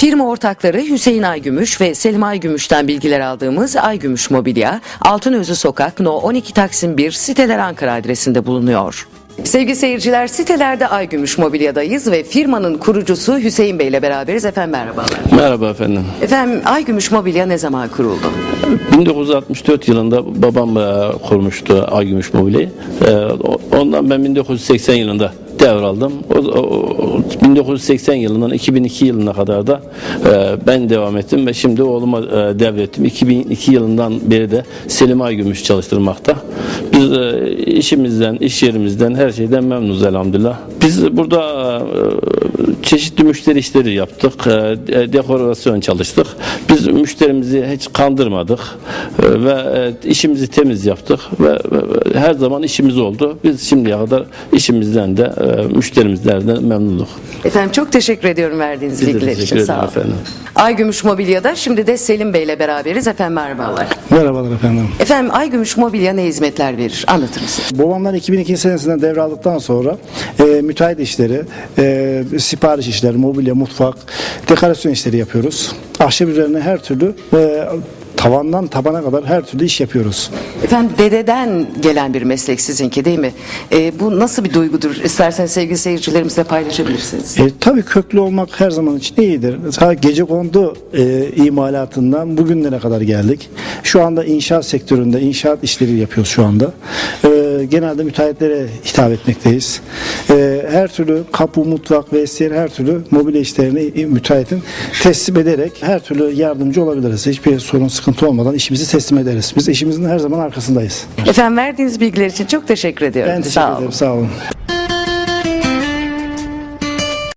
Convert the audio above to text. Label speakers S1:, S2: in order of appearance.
S1: Firma ortakları Hüseyin Aygümüş ve Selim Aygümüş'ten bilgiler aldığımız Aygümüş Mobilya, Altınözü Sokak No 12 Taksim 1 Siteler Ankara adresinde bulunuyor. Sevgili seyirciler, sitelerde Aygümüş Mobilya'dayız ve firmanın kurucusu Hüseyin Bey ile beraberiz. Efendim merhabalar.
S2: Merhaba efendim.
S1: Efendim Aygümüş Mobilya ne zaman kuruldu?
S2: 1964 yılında babam kurmuştu Aygümüş Mobilya'yı. Ondan ben 1980 yılında devraldım. 1980 yılından 2002 yılına kadar da ben devam ettim ve şimdi oğluma devrettim. 2002 yılından beri de Selim Aygümüş çalıştırmakta. Biz işimizden, iş yerimizden, her şeyden memnunuz elhamdülillah. Biz burada çeşitli müşteri işleri yaptık. Dekorasyon çalıştık. Biz müşterimizi hiç kandırmadık ve işimizi temiz yaptık ve her zaman işimiz oldu. Biz şimdiye kadar işimizden de müşterimizden de memnunuz.
S1: Efendim çok teşekkür ediyorum verdiğiniz bilgiler için. Sağ olun. Efendim. Aygümüş Mobilya'da şimdi de Selim Bey ile beraberiz. Efendim merhabalar.
S3: Merhabalar efendim.
S1: Efendim Aygümüş Mobilya ne hizmetler verir? Anlatır mısınız?
S3: Babamdan 2002 senesinden devraldıktan sonra müteahhit işleri, sipariş işleri, mobilya, mutfak, dekorasyon işleri yapıyoruz. Ahşap üzerine her türlü tavandan tabana kadar her türlü iş yapıyoruz.
S1: Efendim dededen gelen bir meslek sizinki değil mi? Bu nasıl bir duygudur? İsterseniz sevgili seyircilerimizle paylaşabilirsiniz.
S3: Tabii köklü olmak her zaman için iyidir. Ta gecekondu imalatından bugünlere kadar geldik. Şu anda inşaat sektöründe inşaat işleri yapıyoruz şu anda. Genelde müteahhitlere hitap etmekteyiz. Her türlü kapı, mutfak vesaire her türlü mobilya işlerini müteahhitin teslim ederek her türlü yardımcı olabiliriz. Hiçbir sorun, sıkıntı olmadan işimizi teslim ederiz. Biz işimizin her zaman arkasındayız.
S1: Efendim verdiğiniz bilgiler için çok teşekkür ediyorum.
S3: Ben teşekkür ederim. Sağ olun.